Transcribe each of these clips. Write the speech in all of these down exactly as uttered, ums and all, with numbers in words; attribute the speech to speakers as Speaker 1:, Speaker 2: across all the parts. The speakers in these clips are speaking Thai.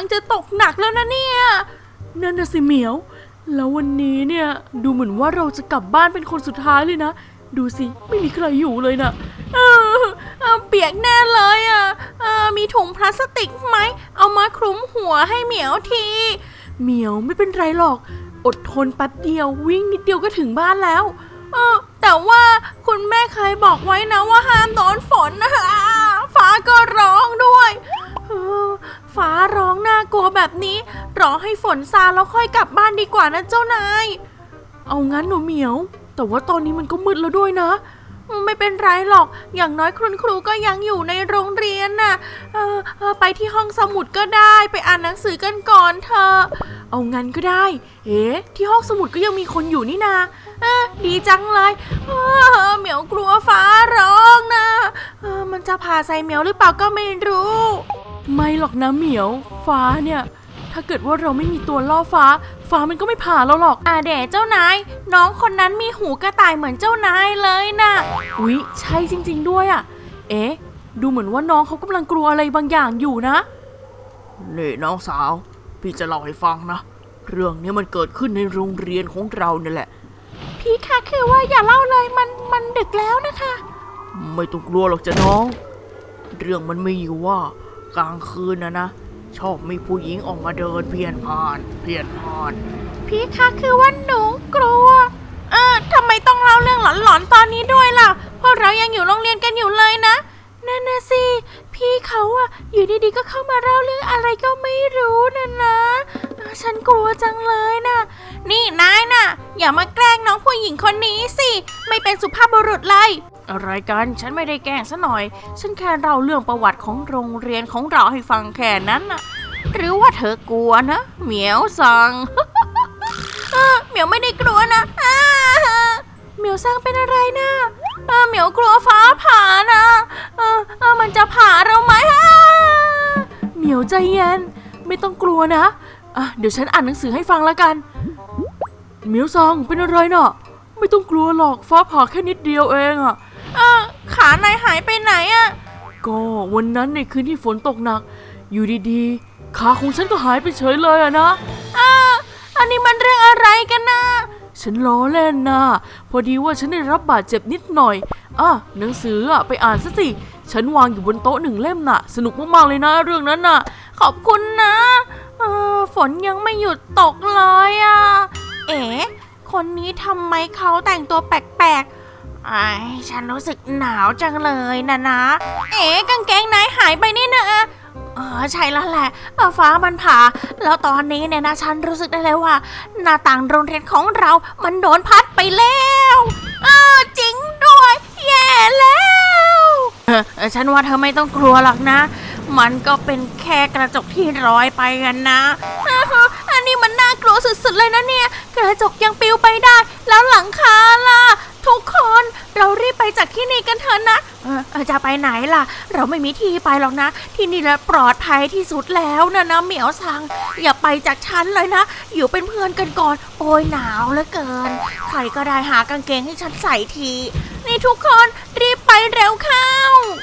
Speaker 1: จะตกหนักแล้วนะเนี่ยนั่นน่ะสิเหมียวแล้ววันนี้เนี่ยดูเหมือนว่าเราจะกลับบ้านเป็นคนสุดท้ายเลยนะดูสิไม่มีใครอยู่เลยนะเออเออเปียกแน่เลยอ่ะเออมีถุงพลาสติกไหมเอามาคลุมหัวให้เหมียวทีเหมียวไม่เป็นไรหรอกอดทนแป๊บเดียววิ่งนิดเดียวก็ถึงบ้านแล้วเออแต่ว่าคุณแม่เคยบอกไว้นะว่าห้ามโดนฝนนะฟ้าก็ร้องด้วยเออฟ้าร้องน่ากลัวแบบนี้รอให้ฝนซาแล้วค่อยกลับบ้านดีกว่านะเจ้านายเอางั้นหนูเหมียวแต่ว่าตอนนี้มันก็มืดแล้วด้วยนะไม่เป็นไรหรอกอย่างน้อยคุณครูก็ยังอยู่ในโรงเรียนน่ะเออเออไปที่ห้องสมุดก็ได้ไปอ่านหนังสือกันก่อนเธอเอางั้นก็ได้เอ๊ะที่ห้องสมุดก็ยังมีคนอยู่นี่นาเออดีจังเลยเออเหมียวกลัวฟ้าร้องนะเออมันจะผ่าใส่เหมียวหรือเปล่าก็ไม่รู้ไม่หรอกนะเหมียวฟ้าเนี่ยถ้าเกิดว่าเราไม่มีตัวล่อฟ้าฟ้ามันก็ไม่ผ่าเราหรอกอ่าเด๋เจ้านายน้องคนนั้นมีหูกระต่ายเหมือนเจ้านายเลยนะอุ๊ยใช่จริงๆด้วยอ่ะเอ๊ะดูเหมือนว่าน้องเขากำลังกลัวอะไรบางอย่างอยู่นะนี่น้องสาวพี่จะเล่าให้ฟังนะเรื่องนี้มันเกิดขึ้นในโรงเรียนของเราเนี่ยแหละพี่คะคือว่าอย่าเล่าเลยมันมันดึกแล้วนะคะไม่ต้องกลัวหรอกจ้ะน้องเรื่องมันมีอยู่ว่ากลางคืนนะนะชอบมีผู้หญิงออกมาเดินเพี้ยนผ่านเพี้ยนผ่านพี่คะคือว่าหนูกลัวเออทำไมต้องเล่าเรื่องหลอนๆตอนนี้ด้วยล่ะเพราะเรายังอยู่โรงเรียนกันอยู่เลยนะนั่นนะสิพี่เขาอะอยู่ดีๆก็เข้ามาเล่าเรื่องอะไรก็ไม่รู้นะนะฉันกลัวจังเลยนะนี่นายน่ะอย่ามาแกล้งน้องผู้หญิงคนนี้สิไม่เป็นสุภาพบุรุษเลยอะไรกันฉันไม่ได้แกล้งซะหน่อยฉันแค่เล่าเรื่องประวัติของโรงเรียนของเราให้ฟังแค่นั้นน่ะหรือว่าเธอกลัวนะเหมียวซัง เหมียวไม่ได้กลัวนะเหมียวซังเป็นอะไรนะเหมียวกลัวฟ้าผ่านะเออเออมันจะผ่าเราไหมเหมียวใจเย็นไม่ต้องกลัวนะอ่ะเดี๋ยวฉันอ่านหนังสือให้ฟังแล้วกันเหมียวซังเป็นอะไรน่ะไม่ต้องกลัวหรอกฟ้าผ่าแค่นิดเดียวเองอ่ะเออขานายหายไปไหนอ่ะก็วันนั้นในคืนที่ฝนตกหนักอยู่ดีๆขาของฉันก็หายไปเฉยเลยอะนะอ่าอันนี้มันเรื่องอะไรกันนะฉันล้อเล่นนะพอดีว่าฉันได้รับบาดเจ็บนิดหน่อยอ่ะหนังสืออ่ะไปอ่านซะสิฉันวางอยู่บนโต๊ะหนึ่งเล่มน่ะสนุกมากๆเลยนะเรื่องนั้นน่ะขอบคุณนะเออฝนยังไม่หยุดตกเลยอ่ะเอ๋คนนี้ทำไมเขาแต่งตัวแปลกๆไอ้ฉันรู้สึกหนาวจังเลยนะนะเอ๋กางเกงนายหายไปนี่นะเออใช่แล้วแหละฟ้ามันผ่าแล้วตอนนี้เนี่ยนะฉันรู้สึกได้เลยว่าหน้าต่างโรงเรียนของเรามันโดนพัดไปแล้วเออจริงด้วยแย่แล้วเออฉันว่าเธอไม่ต้องกลัวหรอกนะมันก็เป็นแค่กระจกที่ลอยไปกันนะอันนี้มันน่ากลัวสุดๆเลยนะเนี่ยกระจกยังปลิวไปได้แล้วหลังคาล่ะทุกคนเรารีบไปจากที่นี่กันเถอะนะเออจะไปไหนล่ะเราไม่มีที่ไปหรอกนะที่นี่แหละปลอดภัยที่สุดแล้วนะนะเหมียวซังอย่าไปจากฉันเลยนะอยู่เป็นเพื่อนกันก่อนโอยหนาวเหลือเกินใครก็ได้หากางเกงให้ฉันใส่ทีนี่ทุกคนรีบไปเร็วเข้า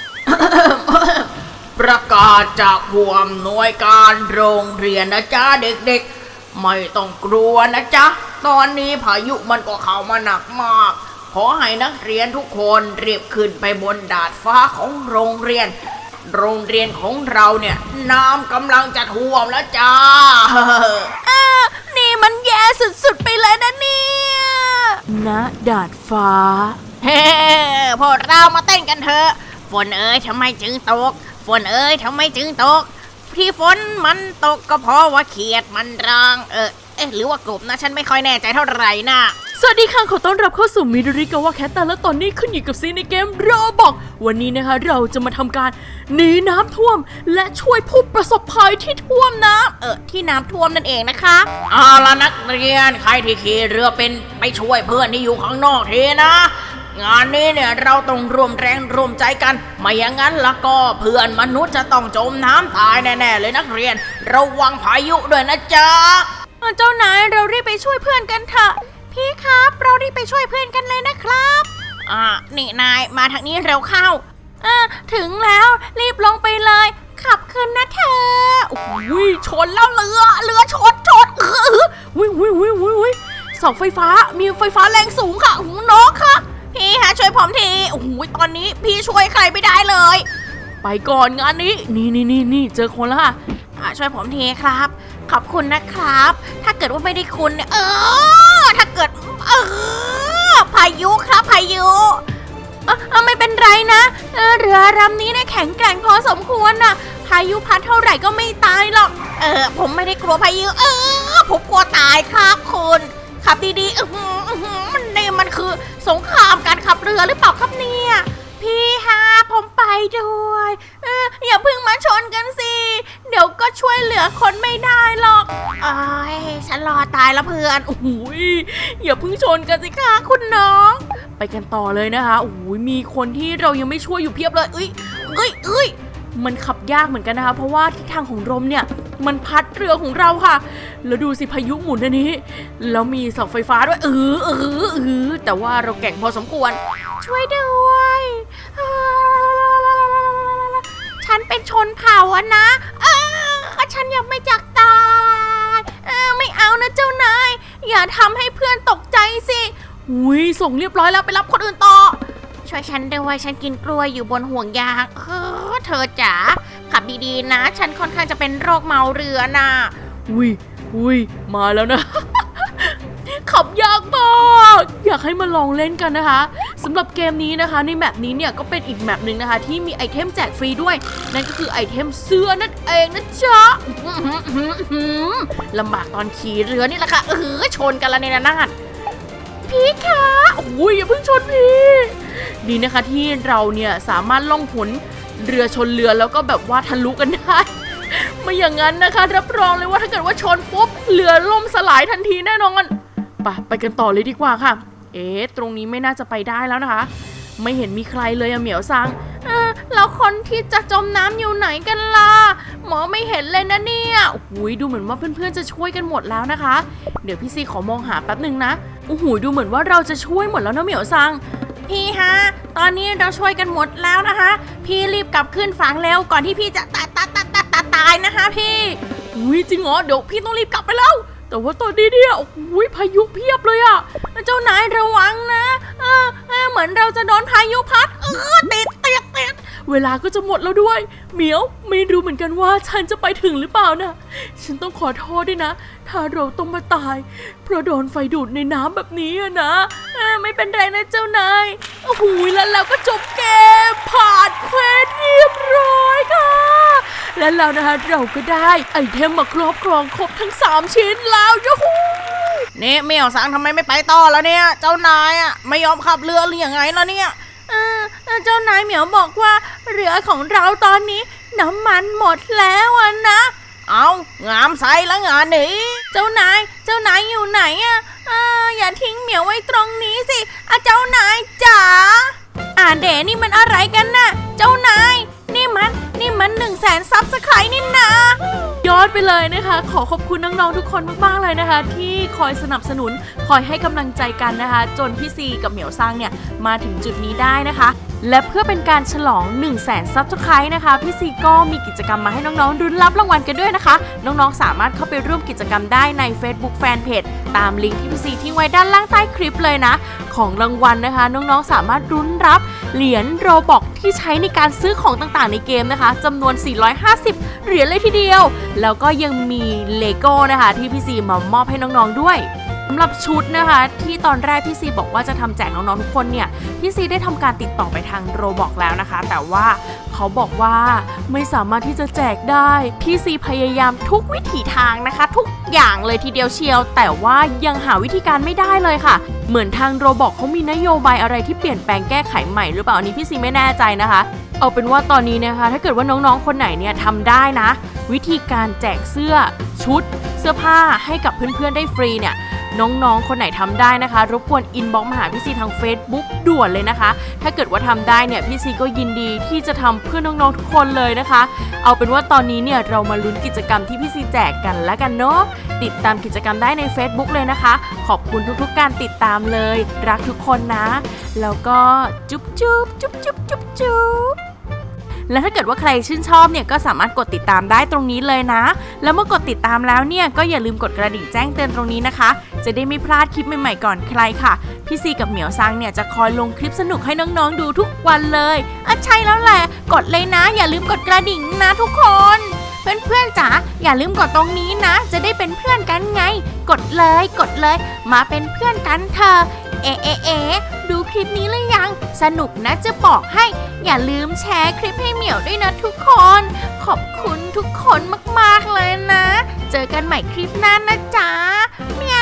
Speaker 2: ประกาศจากผู้อำนวยการโรงเรียนนะจ๊ะเด็กๆไม่ต้องกลัวนะจ๊ะตอนนี้พายุมันก็เข้ามาหนักมากขอให้นักเรียนทุกคนรีบขึ้นไปบนดาดฟ้าของโรงเรียนโรงเรียนของเราเนี่ยน้ำกำลังจะท่วมแล้วจ้า
Speaker 1: อ่านี่มันแย่สุดๆไปเลยนะเนี่ยณดาดฟ้า
Speaker 2: เฮ้พวกเรามาเต้นกันเถอะฝนเอ้ยทำไมจึงตกฝนเอ้ยทำไมจึงตกที่ฝนมันตกก็เพราะว่าเขียดมันรังเออเอ๊ะหรือว่ากบนะฉันไม่ค่อยแน่ใจเท่าไหร่นะ
Speaker 1: สวัสดีค่ะขอต้อนรับเข้าสู่มิดริกาวะแคตตาและตอนนี้ขึ้นอยู่กับซีในเกมโรบอกวันนี้นะคะเราจะมาทำการหนีน้ำท่วมและช่วยผู้ประสบภัยที่ท่วมน้ำเออที่น้ำท่วมนั่นเองนะคะ
Speaker 2: เอาล่ะนักเรียนใครที่ขี่เรือเป็นไปช่วยเพื่อนที่อยู่ข้างนอกทีนะงานนี้เนี่ยเราต้องร่วมแรงร่วมใจกันไม่อย่างนั้นแล้วก็เพื่อนมนุษย์จะต้องจมน้ำตายแน่ๆเลยนักเรียนระวังพายุด้วยนะจ๊ะ
Speaker 1: เจ้านายเรารีบไปช่วยเพื่อนกันเถอะพี่ครับเรารีบไปช่วยเพื่อนกันเลยนะครับอ่านี่นายมาทางนี้เร็วเข้าอ่าถึงแล้วรีบลงไปเลยขับขึ้นนะเธอโอ้ยชนแล้วเรือเรือชนชนเอออุ้ยอุ้ยอุ้ยอุ้ยเสาไฟฟ้ามีไฟฟ้าแรงสูงค่ะน้องค่ะพี่ฮะช่วยผมทีโอ้ยตอนนี้พี่ช่วยใครไม่ได้เลยไปก่อนงานนี้นี่นี่นี่นี่เจอคนแล้วค่ะช่วยผมทีครับขอบคุณนะครับ ถ้าเกิดว่าไม่ได้คุณเนี่ยเออถ้าเกิดเออพายุครับพายุเออไม่เป็นไรนะเออเรือลำนี้เนี่ยแข็งแกร่งพอสมควรนะพายุพัดเท่าไหร่ก็ไม่ตายหรอกเออผมไม่ได้กลัวพายุเออผมกลัวตายครับคุณขับดีๆเออมันเนี่ยมันคือสงครามการขับเรือหรือเปล่าครับเนี่ยพี่ฮะผมไปด้วยเอออย่าเพิ่งมาชนกันสิเดี๋ยวก็ช่วยเหลือคนไม่ได้หรอกเอ้ยฉันรอตายแล้วเพื่อนโอ้โหอย่าเพิ่งชนกันสิคะคุณน้องไปกันต่อเลยนะคะโอ้โหมีคนที่เรายังไม่ช่วยอยู่เพียบเลยเอ้ยเอ้ยเอ้ยมันขับยากเหมือนกันนะคะเพราะว่าทิศทางของลมเนี่ยมันพัดเรือของเราค่ะแล้วดูสิพายุหมุนอันนี้แล้วมีเสาไฟฟ้าด้วยเออเออเออแต่ว่าเราแก่งพอสมควรช่วยด้วยฉันเป็นชนเผ่าอะนะเออฉันยังไม่จักตายเออไม่เอานะเจ้านายอย่าทำให้เพื่อนตกใจสิอุ้ยส่งเรียบร้อยแล้วไปรับคนอื่นต่อช่วยฉันด้วยฉันกินกล้วยอยู่บนห่วงยางเออเธอจ๋าขับดีๆนะฉันค่อนข้างจะเป็นโรคเมาเรือน่ะอุ้ยอุ้ยมาแล้วนะ ขับยากมากอยากให้มาลองเล่นกันนะคะสำหรับเกมนี้นะคะในแมปนี้เนี่ยก็เป็นอีกแมปหนึ่งนะคะที่มีไอเทมแจกฟรีด้วยนั่นก็คือไอเทมเสื้อนั่นเองนะจ๊ะลำบากตอนขี่เรือนี่แหละค่ะเออชนกันละเนี่ยนะพี่คะโอ้ยอย่าเพิ่งชนพี่ดีนะคะที่เราเนี่ยสามารถล่องหนเรือชนเรือแล้วก็แบบว่าทะลุกันได้ไม่อย่างนั้นนะคะรับรองเลยว่าถ้าเกิดว่าชนปุ๊บเรือล่มสลายทันทีแน่นอนไปไปกันต่อเลยดีกว่าค่ะเอ๊ะตรงนี้ไม่น่าจะไปได้แล้วนะคะไม่เห็นมีใครเลยอะเหมียวซังเออแล้วคนที่จะจมน้ำอยู่ไหนกันล่ะหมอไม่เห็นเลยนะเนี่ยโอ้โหดูเหมือนว่าเพื่อนๆจะช่วยกันหมดแล้วนะคะเดี๋ยวพี่ซีขอมองหาแป๊บหนึ่งนะโอ้โหดูเหมือนว่าเราจะช่วยหมดแล้วนะเหมียวซังพี่ฮะตอนนี้เราช่วยกันหมดแล้วนะคะพี่รีบกลับขึ้นฝั่งเร็วก่อนที่พี่จะตายตายตายตายตายตายนะคะพี่อุ้ยจริงเหรอเดี๋ยวพี่ต้องรีบกลับไปแล้วแต่ว่าตอนนี้เนี่ยโอ้ยพายุเพียบเลยอะเจ้านายระวังนะเออเออเหมือนเราจะโดนพายุพัดเออติดติดติดเวลาก็จะหมดแล้วด้วยเหมียวไม่รู้เหมือนกันว่าฉันจะไปถึงหรือเปล่านะฉันต้องขอโทษด้วยนะถ้าเราต้องมาตายเพราะโดนไฟดูดในน้ำแบบนี้อะนะเออไม่เป็นไรนะเจ้านายโอ้โหแล้วเราก็จบเกมผ่านเควสเรียบร้อยค่ะและแล้วนะคะเราก็ได้ไอเทมมาครอบครองครบทั้งสามชิ้นแล้วยูฮูนี่เมียวสังทำไมไม่ไปต่อแล้วเนี่ยเจ้านายอ่ะไม่ยอมขับเรือหรือยังไงล่ะเนี่ยเออเจ้านายเหมียวบอกว่าเรือของเราตอนนี้น้ำมันหมดแล้วอ่ะนะเอางามใส่ละงานนี้เจ้านายเจ้านายอยู่ไหนอ่ะอ่าอย่าทิ้งเหมียวไว้ตรงนี้สิอ่ะเจ้านายจ๋าอ่าเดนี่มันอะไรกันน่ะเจ้านายนี่มันนี่มันหนึ่งแสนซับสไครต์นี่นะยอดไปเลยนะคะขอขอบคุณน้องๆทุกคนมากๆเลยนะคะที่คอยสนับสนุนคอยให้กำลังใจกันนะคะจนพี่ซีกับเหมียวซังเนี่ยมาถึงจุดนี้ได้นะคะและเพื่อเป็นการฉลองหนึ่งแสนซับสไครต์นะคะพี่ซีก็มีกิจกรรมมาให้น้องๆรุ้นรับรางวัลกันด้วยนะคะน้องๆสามารถเข้าไปร่วมกิจกรรมได้ใน Facebook Fanpage ตามลิงก์ที่พี่ซีทิ้งไว้ด้านล่างใต้คลิปเลยนะของรางวัลนะคะน้องๆสามารถรุ้นรับเหรียญโรบ็อกที่ใช้ในการซื้อของต่างๆในเกมนะคะจำนวนสี่ร้อยห้าสิบเหรียญเลยทีเดียวแล้วก็ยังมีเลโก้นะคะที่พี่ซีมามอบให้น้องๆด้วยสำหรับชุดนะคะที่ตอนแรกพี่ซีบอกว่าจะทำแจกน้องๆทุกคนเนี่ยพี่ซีได้ทำการติดต่อไปทางโรบ็อกแล้วนะคะแต่ว่าเขาบอกว่าไม่สามารถที่จะแจกได้พี่ซีพยายามทุกวิถีทางนะคะทุกอย่างเลยทีเดียวเชียวแต่ว่ายังหาวิธีการไม่ได้เลยค่ะเหมือนทางโรบ็อกเขามีนโยบายอะไรที่เปลี่ยนแปลงแก้ไขใหม่หรือเปล่าอันนี้พี่ซีไม่แน่ใจนะคะเอาเป็นว่าตอนนี้นะคะถ้าเกิดว่าน้องๆคนไหนเนี่ยทำได้นะวิธีการแจกเสื้อชุดเสื้อผ้าให้กับเพื่อนๆได้ฟรีเนี่ยน้องๆคนไหนทำได้นะคะรบกวนอินบ็อกซ์มาหาพี่ซีทาง Facebook ด่วนเลยนะคะถ้าเกิดว่าทำได้เนี่ยพี่ซีก็ยินดีที่จะทำเพื่อน้องๆทุกคนเลยนะคะเอาเป็นว่าตอนนี้เนี่ยเรามาลุ้นกิจกรรมที่พี่ซีแจกกันแล้วกันเนาะติดตามกิจกรรมได้ใน Facebook เลยนะคะขอบคุณทุกๆการติดตามเลยรักทุกคนนะแล้วก็จุ๊บจุ๊บจุ๊บจุ๊บจุ๊บจุ๊บและถ้าเกิดว่าใครชื่นชอบเนี่ยก็สามารถกดติดตามได้ตรงนี้เลยนะแล้วเมื่อกดติดตามแล้วเนี่ยก็อย่าลืมกดกระดิ่งแจ้งเตือนตรงนี้นะคะจะได้ไม่พลาดคลิปใหม่ๆก่อนใครค่ะพี่ซีกับเหมียวซังเนี่ยจะคอยลงคลิปสนุกให้น้องๆดูทุกวันเลยอ่ะใช่แล้วแหละกดเลยนะอย่าลืมกดกระดิ่งนะทุกคนเพื่อนๆจ๋าอย่าลืมกดตรงนี้นะจะได้เป็นเพื่อนกันไงกดเลยกดเลยมาเป็นเพื่อนกันเถอะเอ๊ะเอ๊ะเอ๊ะดูคลิปนี้หรือยังสนุกนะจะบอกให้อย่าลืมแชร์คลิปให้เหมียวด้วยนะทุกคนขอบคุณทุกคนมากๆเลยนะเจอกันใหม่คลิปหน้านะจ๊ะเมีย